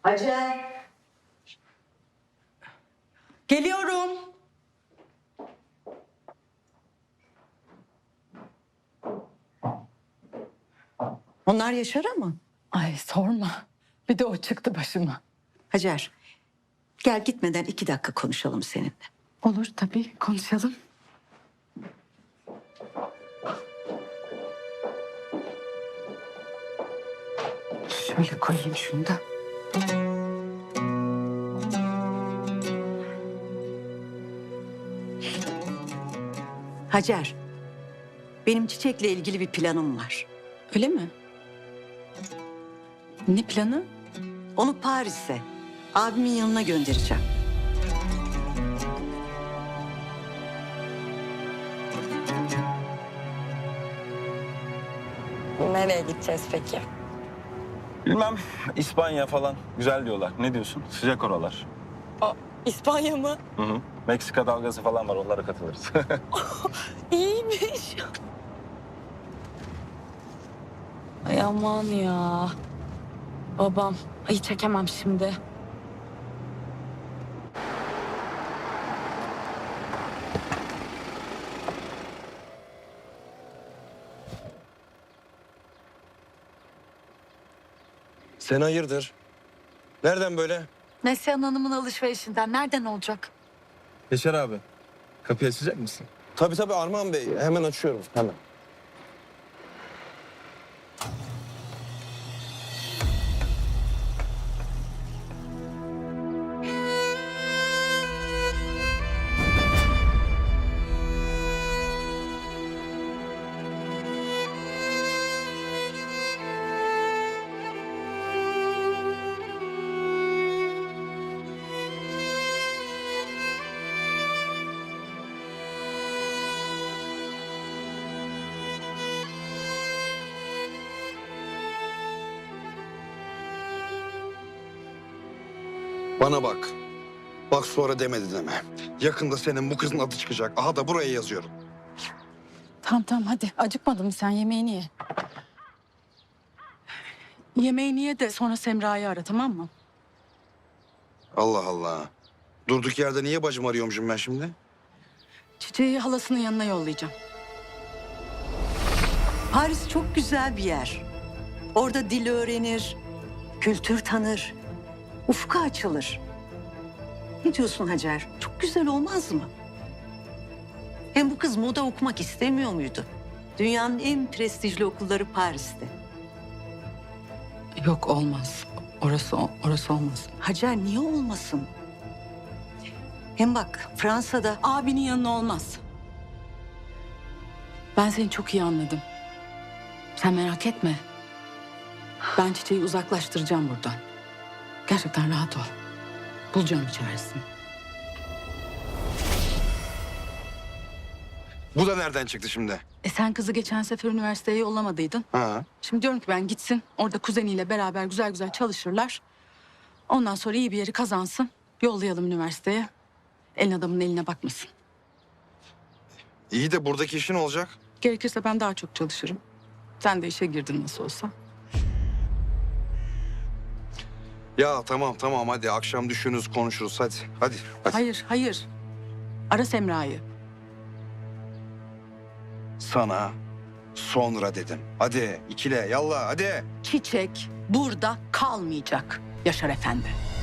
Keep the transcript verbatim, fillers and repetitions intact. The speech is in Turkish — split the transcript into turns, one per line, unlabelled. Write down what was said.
Hacer.
Geliyorum.
Onlar Yaşar'a mı?
Ay sorma. Bir de o çıktı başıma.
Hacer, gel gitmeden iki dakika konuşalım seninle.
Olur tabii, konuşalım. Şöyle koyayım şunu da.
Hacer, benim Çiçek'le ilgili bir planım var.
Öyle mi? Ne planı?
Onu Paris'e, abimin yanına göndereceğim.
Nereye gideceğiz peki?
Bilmem, İspanya falan güzel diyorlar. Ne diyorsun? Sıcak oralar.
Aa, İspanya mı?
Hı hı. Meksika dalgası falan var, onlara katılırız.
İyiymiş. Ay aman ya. Babam. Ay çekemem şimdi.
Sen hayırdır? Nereden böyle?
Neslihan Hanım'ın alışverişinden. Nereden olacak?
Yaşar abi, kapıyı açacak mısın?
Tabii tabii Armağan Bey. Hemen açıyorum. Hemen. Bana bak. Bak sonra demedi deme. Yakında senin bu kızın adı çıkacak. Aha da buraya yazıyorum.
Tamam tamam hadi. Acıkmadın mı sen? Yemeğini ye. Yemeğini ye de sonra Semra'yı ara, tamam mı?
Allah Allah. Durduk yerde niye bacım arıyormuşum ben şimdi?
Çiçeği halasının yanına yollayacağım.
Paris çok güzel bir yer. Orada dil öğrenir, kültür tanır, ufku açılır. Ne diyorsun Hacer? Çok güzel olmaz mı? Hem bu kız moda okumak istemiyor muydu? Dünyanın en prestijli okulları Paris'te.
Yok olmaz. Orası orası olmaz.
Hacer niye olmasın? Hem bak Fransa'da
Abinin yanına olmaz. Ben seni çok iyi anladım. Sen merak etme. Ben Çiçeği uzaklaştıracağım buradan. Gerçekten rahat ol. Bulacağım bir çaresini.
Bu da nereden çıktı şimdi?
E sen kızı geçen sefer üniversiteye yollamadıydın.
Ha.
Şimdi diyorum ki ben gitsin. Orada kuzeniyle beraber güzel güzel çalışırlar. Ondan sonra iyi bir yeri kazansın. Yollayalım üniversiteye. Elin adamın eline bakmasın.
İyi de buradaki işin olacak.
Gerekirse ben daha çok çalışırım. Sen de işe girdin nasıl olsa.
Ya tamam tamam hadi akşam düşünürüz konuşuruz hadi. Hadi. hadi.
Hayır, hayır. Ara Semra'yı.
Sana sonra dedim. Hadi ikile yallah hadi.
Çiçek burada kalmayacak Yaşar Efendi.